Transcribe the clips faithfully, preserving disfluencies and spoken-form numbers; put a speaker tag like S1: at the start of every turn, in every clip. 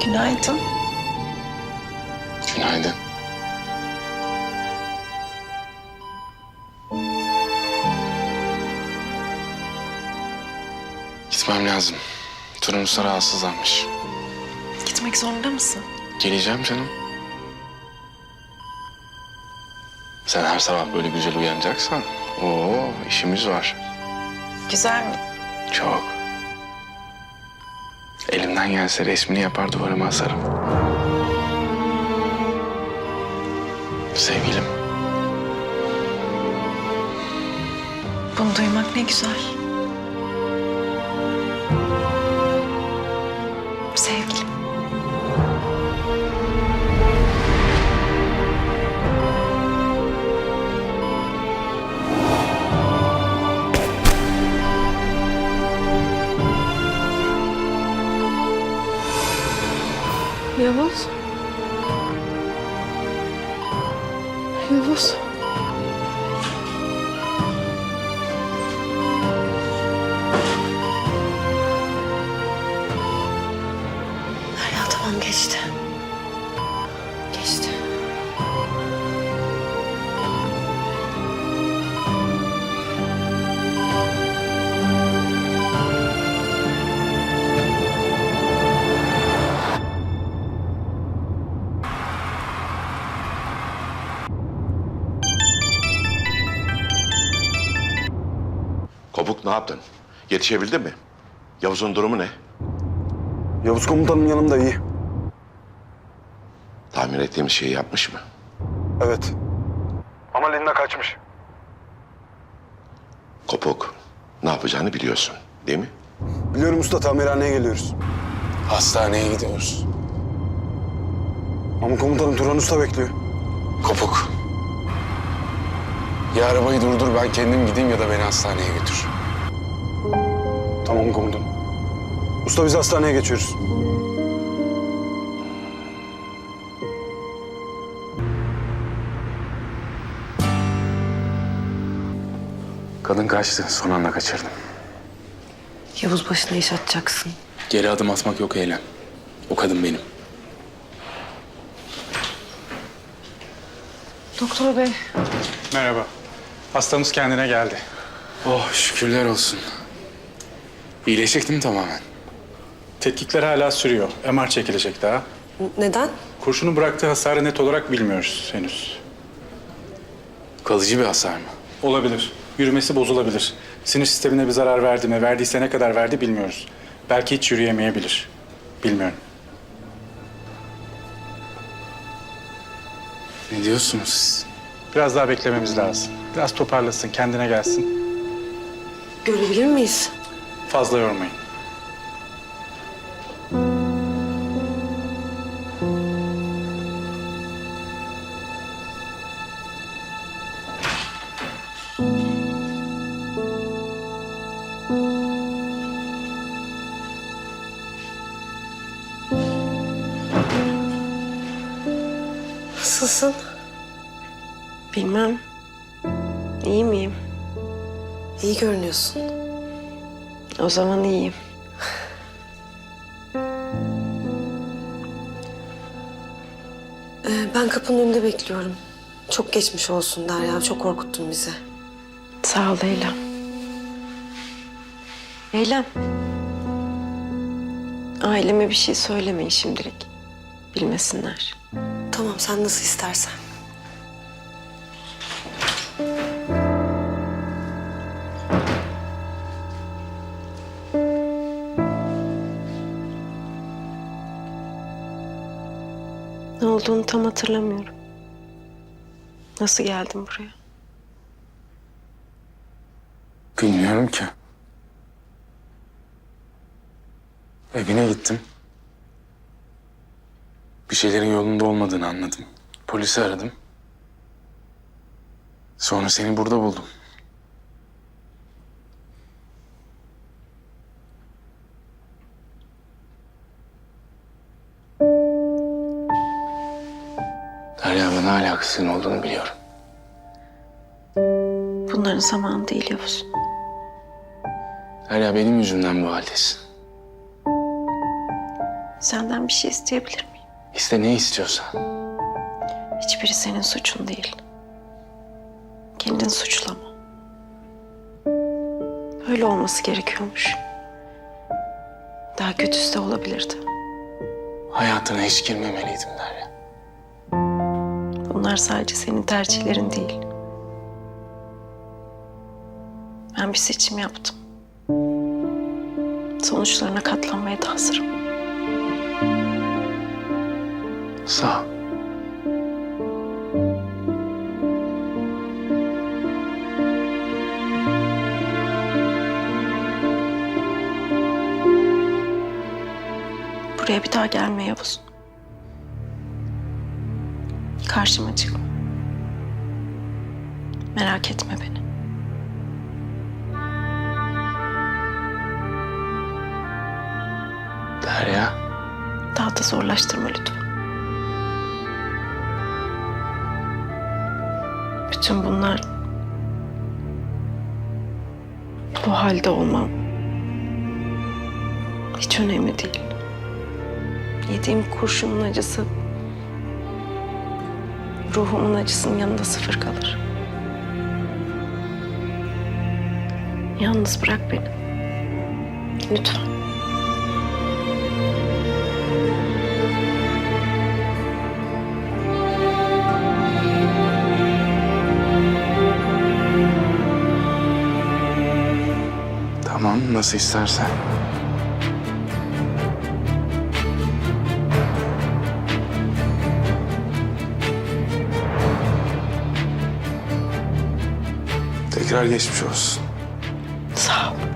S1: Günaydın.
S2: Günaydın. Gitmem lazım. Turunus'a rahatsızlanmış.
S1: Gitmek zorunda mısın?
S2: Geleceğim canım. Sen her sabah böyle güzel uyanacaksan, oo işimiz var.
S1: Güzel mi?
S2: Çok. Elimden gelse resmini yapar duvarıma asarım. Sevgilim.
S1: Bunu duymak ne güzel. Sevgilim.
S3: Yavuz. Yavuz.
S1: Derya tamam geçti. Geçti.
S4: Kopuk ne yaptın? Yetişebildin mi? Yavuz'un durumu ne?
S5: Yavuz komutanım yanımda iyi.
S4: Tahmin ettiğimiz şeyi yapmış mı?
S5: Evet. Ama Linda kaçmış.
S4: Kopuk ne yapacağını biliyorsun değil mi?
S5: Biliyorum usta, tamirhaneye geliyoruz.
S2: Hastaneye gidiyoruz.
S5: Ama komutanım Turan Usta bekliyor.
S2: Kopuk. Ya arabayı durdur, ben kendim gideyim ya da beni hastaneye götür.
S5: Tamam komutanım. Usta biz hastaneye geçiyoruz.
S2: Kadın kaçtı, son anda kaçırdım.
S1: Yavuz başına iş atacaksın.
S2: Geri adım atmak yok Eylem. O kadın benim.
S1: Doktor bey.
S6: Merhaba. Hastamız kendine geldi.
S2: Oh şükürler olsun. İyileşecek değil mi tamamen?
S6: Tetkikler hala sürüyor. M R çekilecek daha.
S1: Neden?
S6: Kurşunun bıraktığı hasarı net olarak bilmiyoruz henüz.
S2: Kalıcı bir hasar mı?
S6: Olabilir. Yürümesi bozulabilir. Sinir sistemine bir zarar verdi mi, verdiyse ne kadar verdi bilmiyoruz. Belki hiç yürüyemeyebilir. Bilmiyorum.
S2: Ne diyorsunuz siz?
S6: Biraz daha beklememiz lazım. Biraz toparlasın, kendine gelsin.
S1: Görebilir miyiz?
S6: Fazla yormayın.
S1: Nasılsın? Bilmem. İyi miyim? İyi görünüyorsun. O zaman iyiyim. Ee, ben kapının önünde bekliyorum. Çok geçmiş olsun Derya. Çok korkuttun bizi. Sağ ol Eylem. Eylem. Aileme bir şey söylemeyin şimdilik. Bilmesinler. Tamam, sen nasıl istersen. Ne olduğunu tam hatırlamıyorum. Nasıl geldim buraya?
S2: Bilmiyorum ki. Evine gittim. Bir şeylerin yolunda olmadığını anladım. Polisi aradım. Sonra seni burada buldum. Derya, bana hala kızgın olduğunu biliyorum.
S1: Bunların zamanı değil Yavuz.
S2: Derya, benim yüzümden bu haldesin.
S3: Senden bir şey isteyebilir miyim?
S2: İste ne istiyorsan.
S3: Hiçbiri senin suçun değil. Kendini suçlama. Öyle olması gerekiyormuş. Daha kötüsü de olabilirdi.
S2: Hayatına hiç girmemeliydim Derya.
S3: Bunlar sadece senin tercihlerin değil. Ben bir seçim yaptım. Sonuçlarına katlanmaya da hazırım.
S2: Sağ ol.
S3: Buraya bir daha gelme Yavuz. Karşıma çıkma. Merak etme beni.
S2: Derya.
S3: Daha da zorlaştırma lütfen. Bütün bunlar... Bu halde olmam hiç önemli değil. Yediğim kurşunun acısı ruhumun acısının yanında sıfır kalır. Yalnız bırak beni. Lütfen.
S2: Tamam, nasıl istersen. Tekrar geçmiş olsun.
S3: Sağ ol.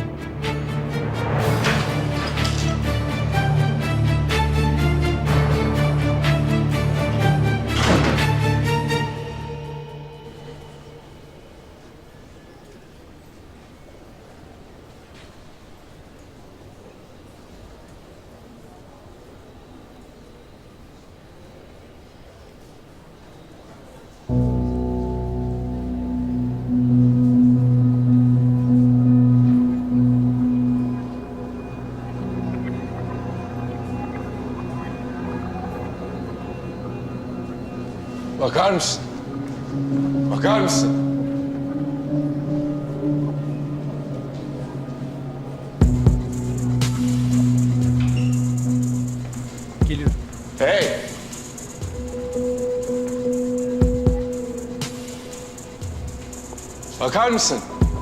S7: Bakar mısın? Bakar mısın?
S6: Geliyorum.
S7: Hey! Bakar mısın?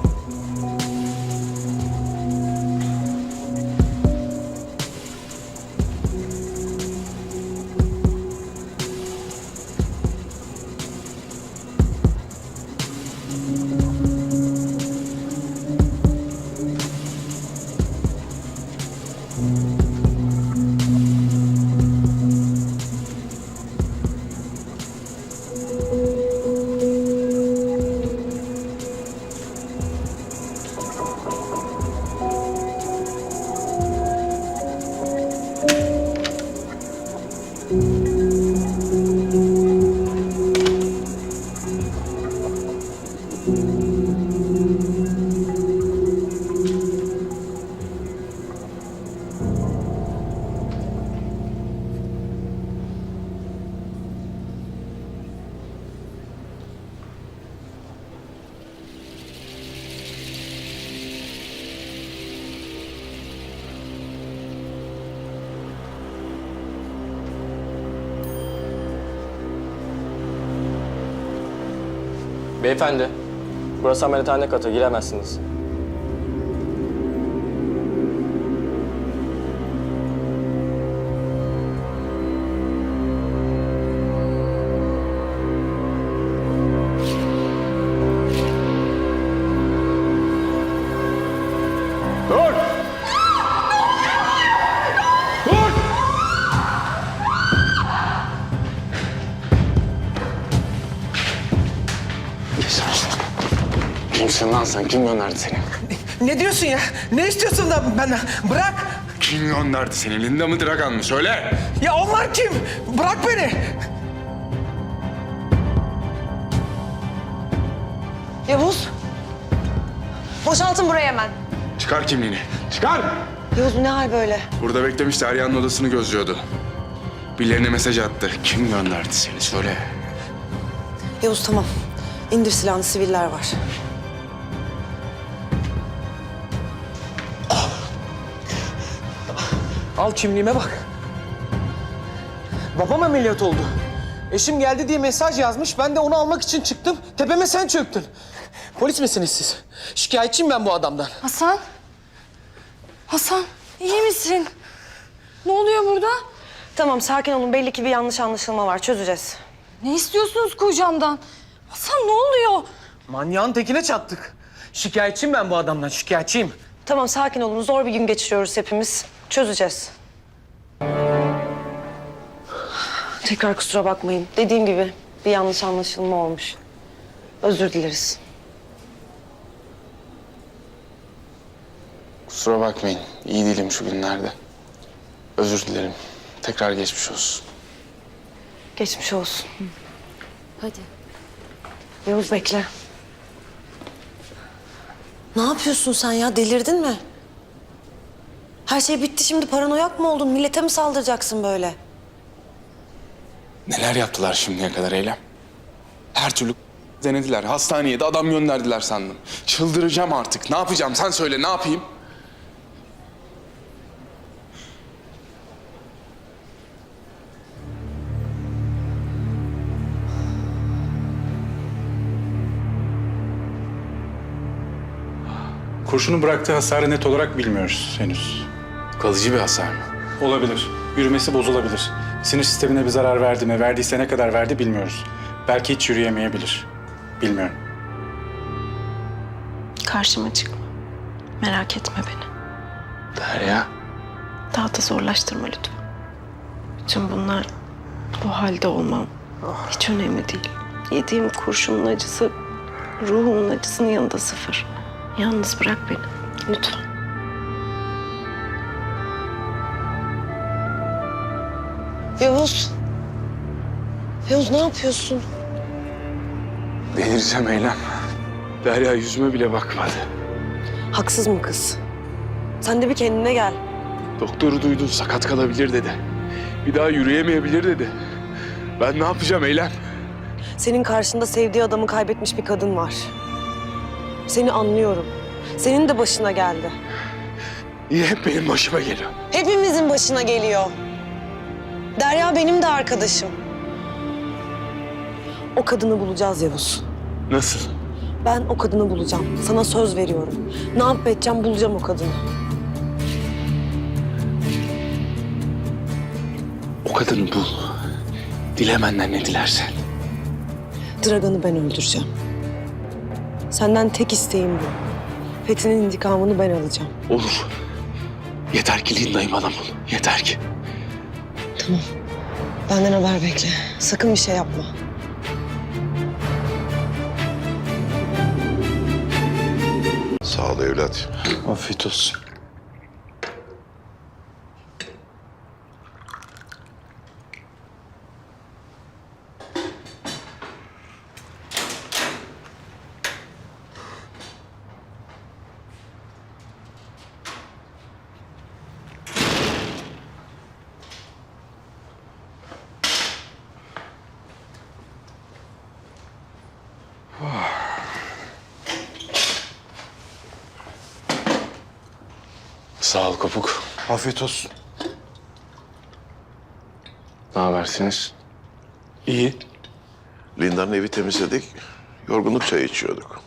S8: Beyefendi, burası ameliyathane katı, giremezsiniz.
S7: Dur! Dur!
S2: Kimsin lan sen? Kim gönderdi seni?
S9: Ne diyorsun ya? Ne istiyorsun da benden? Bırak!
S7: Kim gönderdi seni? Linda mı Dragan mı? Söyle!
S9: Ya onlar kim? Bırak beni!
S1: Yavuz. Boşaltın burayı hemen.
S7: Çıkar kimliğini. Çıkar!
S1: Yavuz bu ne hal böyle?
S7: Burada beklemiş, Derya'nın odasını gözlüyordu. Birilerine mesaj attı. Kim gönderdi seni söyle.
S1: Yavuz tamam. İndir silahını, siviller var.
S9: Al kimliğime bak. Babam ameliyat oldu. Eşim geldi diye mesaj yazmış. Ben de onu almak için çıktım. Tepeme sen çöktün. Polis misiniz siz? Şikayetçiyim ben bu adamdan.
S10: Hasan? Hasan iyi misin? Ne oluyor burada?
S1: Tamam sakin olun. Belli ki bir yanlış anlaşılma var. Çözeceğiz.
S10: Ne istiyorsunuz kocamdan? Hasan ne oluyor?
S9: Manyağın tekine çattık. Şikayetçiyim ben bu adamdan, şikayetçiyim.
S1: Tamam sakin olun. Zor bir gün geçiriyoruz hepimiz. Çözeceğiz. Tekrar kusura bakmayın. Dediğim gibi bir yanlış anlaşılma olmuş. Özür dileriz.
S2: Kusura bakmayın. İyi değilim şu günlerde. Özür dilerim. Tekrar geçmiş olsun.
S1: Geçmiş olsun.
S10: Hadi.
S1: Yavuz bekle. Ne yapıyorsun sen ya? Delirdin mi? Her şey bitti şimdi. Paranoyak mı oldun? Millete mi saldıracaksın böyle?
S2: Neler yaptılar şimdiye kadar Eylem? Her türlü denediler. Hastaneye de adam gönderdiler sandım. Çıldıracağım artık. Ne yapacağım? Sen söyle ne yapayım?
S6: Kurşunun bıraktığı hasarı net olarak bilmiyoruz henüz.
S2: Kalıcı bir hasar mı?
S6: Olabilir. Yürümesi bozulabilir. Sinir sistemine bir zarar verdi mi, verdiyse ne kadar verdi bilmiyoruz. Belki hiç yürüyemeyebilir. Bilmiyorum.
S3: Karşıma çıkma. Merak etme beni.
S2: Derya.
S3: Daha da zorlaştırma lütfen. Bütün bunlar, bu halde olmam hiç önemli değil. Yediğim kurşunun acısı, ruhumun acısının yanında sıfır. Yalnız bırak beni. Lütfen.
S1: Yavuz. Yavuz ne yapıyorsun?
S2: Delireceğim Eylem. Derya yüzüme bile bakmadı.
S1: Haksız mı kız? Sen de bir kendine gel.
S2: Doktoru duydun sakat kalabilir dedi. Bir daha yürüyemeyebilir dedi. Ben ne yapacağım Eylem?
S1: Senin karşında sevdiği adamı kaybetmiş bir kadın var. Seni anlıyorum. Senin de başına geldi.
S2: Niye hep benim başıma geliyor?
S1: Hepimizin başına geliyor. Derya benim de arkadaşım. O kadını bulacağız Yavuz.
S2: Nasıl?
S1: Ben o kadını bulacağım. Sana söz veriyorum. Ne yapıp edeceğim bulacağım o kadını.
S2: O kadını bul. Dile benden ne dilersen.
S1: Dragan'ı ben öldüreceğim. Senden tek isteğim bu. Fethi'nin intikamını ben alacağım.
S2: Olur. Yeter ki Linda'yı bana bul. Yeter ki.
S1: Tamam. Benden haber bekle. Sakın bir şey yapma.
S4: Sağ ol evlat.
S2: Afiyet olsun. Sağ ol Kopuk.
S5: Afiyet olsun.
S2: Ne habersiniz? İyi.
S4: Linda'nın evi temizledik. Yorgunluk çayı içiyorduk.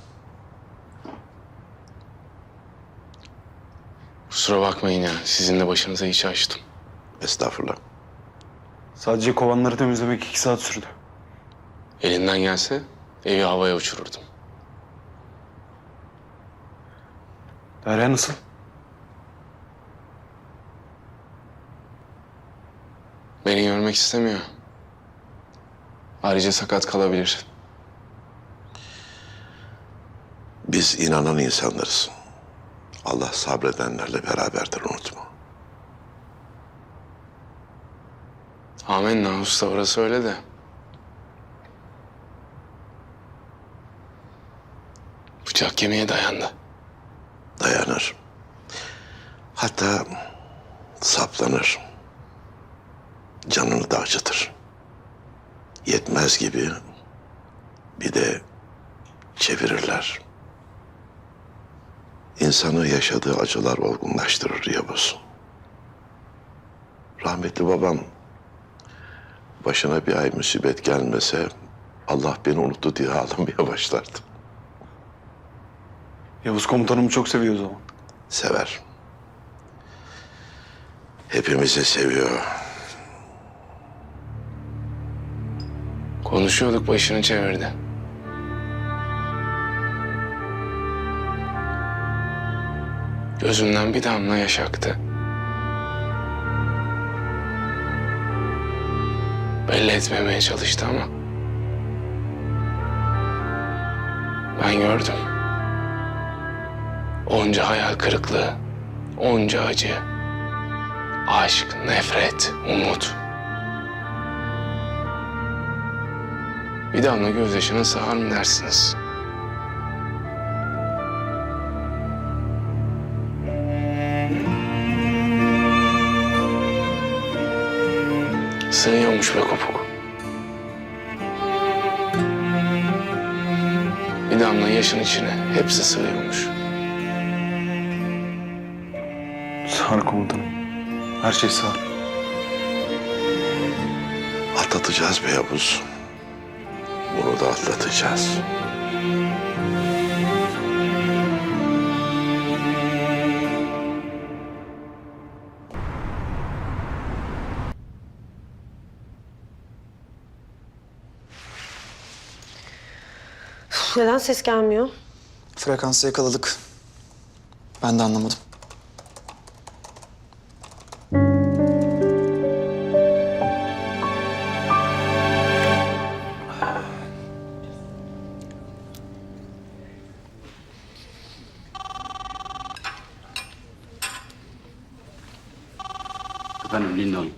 S2: Kusura bakmayın ya. Sizin de başınıza iş açtım.
S4: Estağfurullah.
S5: Sadece kovanları temizlemek iki saat sürdü.
S2: Elinden gelse evi havaya uçururdum.
S5: Derya nasıl?
S2: Beni görmek istemiyor. Ayrıca sakat kalabilir.
S4: Biz inanan insanlarız. Allah sabredenlerle beraberdir, unutma.
S2: Amenna usta, orası öyle de. Bıçak kemiğe dayandı.
S4: Dayanır. Hatta saplanır. Canını da acıtır. Yetmez gibi bir de çevirirler. İnsanı yaşadığı acılar olgunlaştırır Yavuz. Rahmetli babam başına bir ay musibet gelmese Allah beni unuttu diye ağlamaya başlardı.
S5: Yavuz komutanımı çok seviyor o zaman.
S4: Sever. Hepimizi seviyor.
S2: Konuşuyorduk, başını çevirdi. Gözümden bir damla yaş aktı. Belli etmemeye çalıştı ama ben gördüm. Onca hayal kırıklığı, onca acı, aşk, nefret, umut. Bir damla gözyaşına sığar mı dersiniz? Sığıyormuş be Kopuk. Bir damla yaşın içine hepsi sığıyormuş.
S5: Sağ ol komutanım. Her şey sağ ol.
S4: Atlatacağız be Yavuz. Bunu da atlatacağız.
S1: Neden ses gelmiyor?
S11: Frekansı yakaladık. Ben de anlamadım.
S5: Efendim Linda Hanım.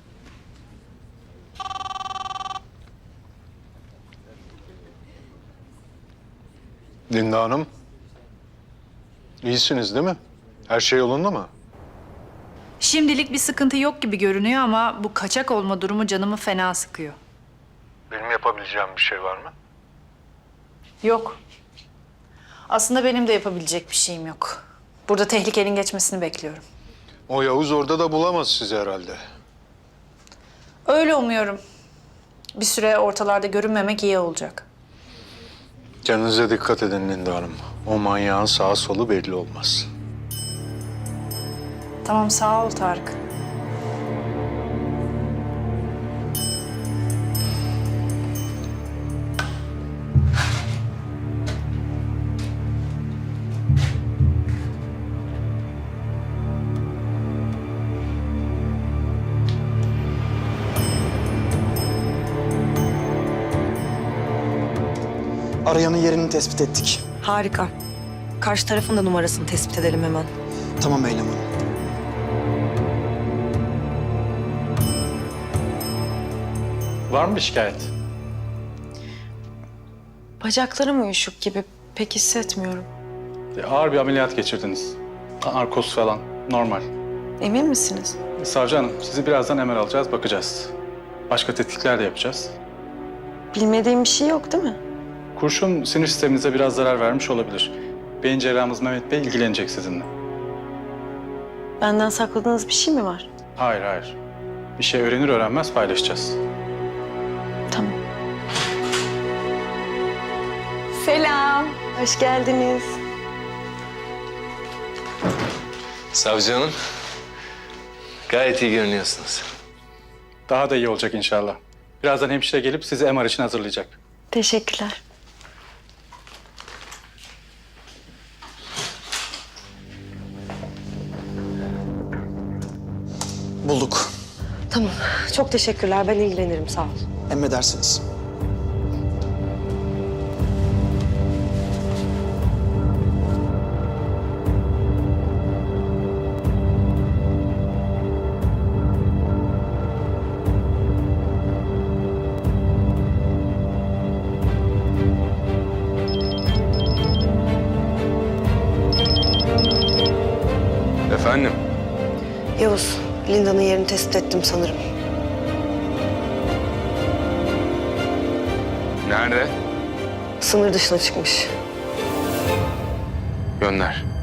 S12: Linda Hanım, iyisiniz değil mi? Her şey yolunda mı?
S10: Şimdilik bir sıkıntı yok gibi görünüyor ama bu kaçak olma durumu canımı fena sıkıyor.
S12: Benim yapabileceğim bir şey var mı?
S10: Yok. Aslında benim de yapabilecek bir şeyim yok. Burada tehlikenin geçmesini bekliyorum.
S12: O Yavuz orada da bulamaz sizi herhalde.
S10: Öyle umuyorum. Bir süre ortalarda görünmemek iyi olacak.
S12: Kendinize dikkat edin Linda Hanım. O manyağın sağı solu belli olmaz.
S10: Tamam, sağ ol Tarık.
S11: Arayanın yerini tespit ettik.
S1: Harika. Karşı tarafın da numarasını tespit edelim hemen.
S11: Tamam Eylem Hanım.
S6: Var mı bir şikayet?
S3: Bacaklarım uyuşuk gibi. Pek hissetmiyorum.
S6: E, ağır bir ameliyat geçirdiniz. Narkoz falan. Normal.
S3: Emin misiniz?
S6: Savcı hanım, sizi birazdan M R alacağız, bakacağız. Başka tetkikler de yapacağız.
S3: Bilmediğim bir şey yok değil mi?
S6: Kurşun sinir sisteminize biraz zarar vermiş olabilir. Beyin cerrahımız Mehmet Bey ilgilenecek sizinle.
S3: Benden sakladığınız bir şey mi var?
S6: Hayır, hayır. Bir şey öğrenir öğrenmez paylaşacağız.
S3: Tamam. Selam. Hoş geldiniz.
S2: Savcı hanım, gayet iyi görünüyorsunuz.
S6: Daha da iyi olacak inşallah. Birazdan hemşire gelip sizi M R için hazırlayacak.
S3: Teşekkürler.
S11: Bulduk.
S1: Tamam. Çok teşekkürler. Ben ilgilenirim. Sağ ol.
S11: Emredersiniz.
S7: Efendim?
S1: Linda'nın yerini tespit ettim sanırım.
S2: Nerede?
S1: Sınır dışına çıkmış.
S2: Gönder.